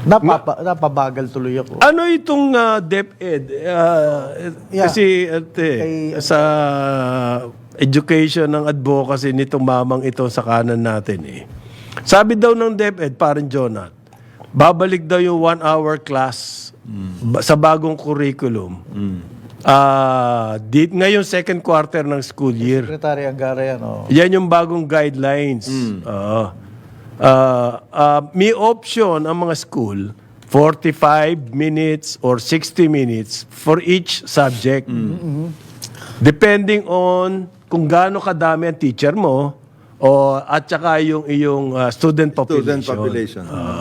Napabagal tuloy ako. Ano itong DepEd? Kasi sa education ng advocacy nitong mamang ito sa kanan natin eh. Sabi daw ng DepEd, parang Jonat, babalik daw yung 1-hour class sa bagong curriculum. Ngayong second quarter ng school year. Secretary Angara yan, oh. Yan yung bagong guidelines. May option ang mga school 45 minutes or 60 minutes for each subject. Depending on kung gaano kadami ang teacher mo at saka yung iyong student population.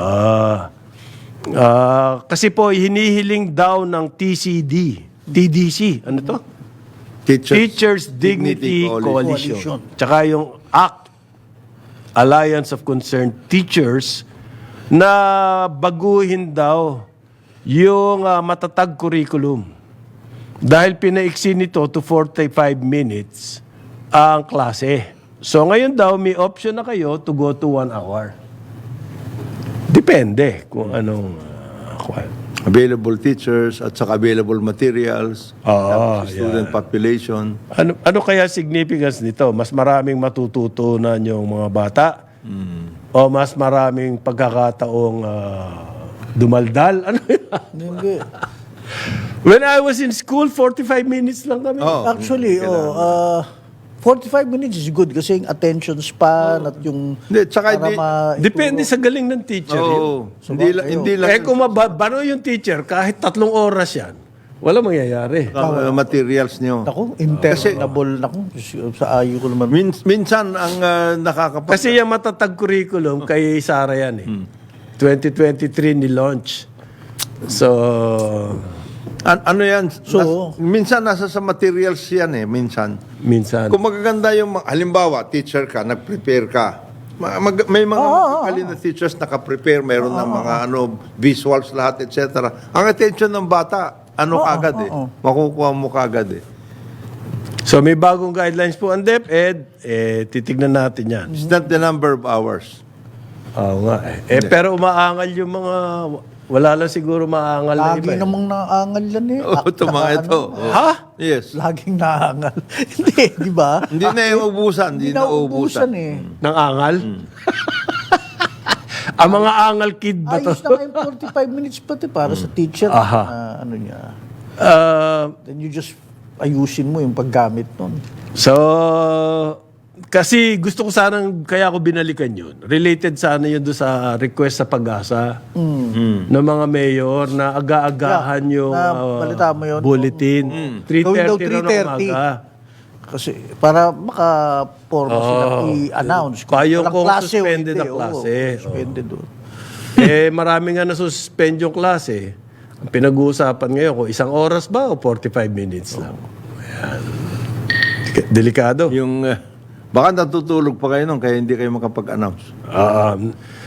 Kasi po hinihiling daw ng TDC. Ano to? Teachers Dignity Coalition. Tsaka yung ACT, Alliance of Concerned Teachers, na baguhin daw yung matatag curriculum. Dahil pinaiksi nito to 45 minutes ang klase. So ngayon daw, may option na kayo to go to 1 hour. Depende kung anong available teachers at saka available materials, tapos student population. Ano kaya significance nito? Mas maraming matututunan yung mga bata? O mas maraming pagkakataong dumaldal? Ano yan? Hindi. When I was in school, 45 minutes lang kami. Actually, 45 minutes is good kasi yung attention span at yung... Hindi, tsaka Depende sa galing ng teacher. Hindi lang. Kung mabano yung teacher, kahit 3 oras yan, wala mangyayari. Materials nyo. Ako, internable na sa ayo ko naman. Minsan ang nakakapag... Kasi yung matatag curriculum kay Sara yan eh. 2023 ni launch. So... ano yan? So, minsan nasa sa materials yan eh, minsan. Kung magaganda yung, halimbawa, teacher ka, nag-prepare ka. May mga magaling na teachers naka-prepare, mayroon ng mga visuals lahat, etc. Ang attention ng bata, kagad eh. Makukuha mo kagad eh. So may bagong guidelines po ang DepEd, titignan natin yan. It's not the number of hours. Oo nga eh. Pero umaangal yung mga... Wala lang siguro maangal na iba. Lagi namang naangal yan eh. Mga ito. Ha? Yes. Laging naangal. Hindi, di ba? Hindi na ubusan. Hindi na ubusan eh. Nang angal? Ang mga angal kid ba to? Ayos na yung 45 minutes pati para sa teacher. Ano niya. Then you just ayusin mo yung paggamit nun. So, kasi gusto ko sanang, kaya ako binalikan yun. Related sana yun doon sa request sa Pag-asa ng mga mayor na aga-agahan yung balita mo yun, bulletin. 3:30 na ng umaga. Kasi para maka-forma sila i-announce. Kaya kung suspended ang klase. Suspended doon. Marami nga na-suspend yung klase. Ang pinag-uusapan ngayon kung 1 oras ba o 45 minutes lang. Ayan. Delikado. Baka natutulog pa kayo nun, kaya hindi kayo makapag-announce.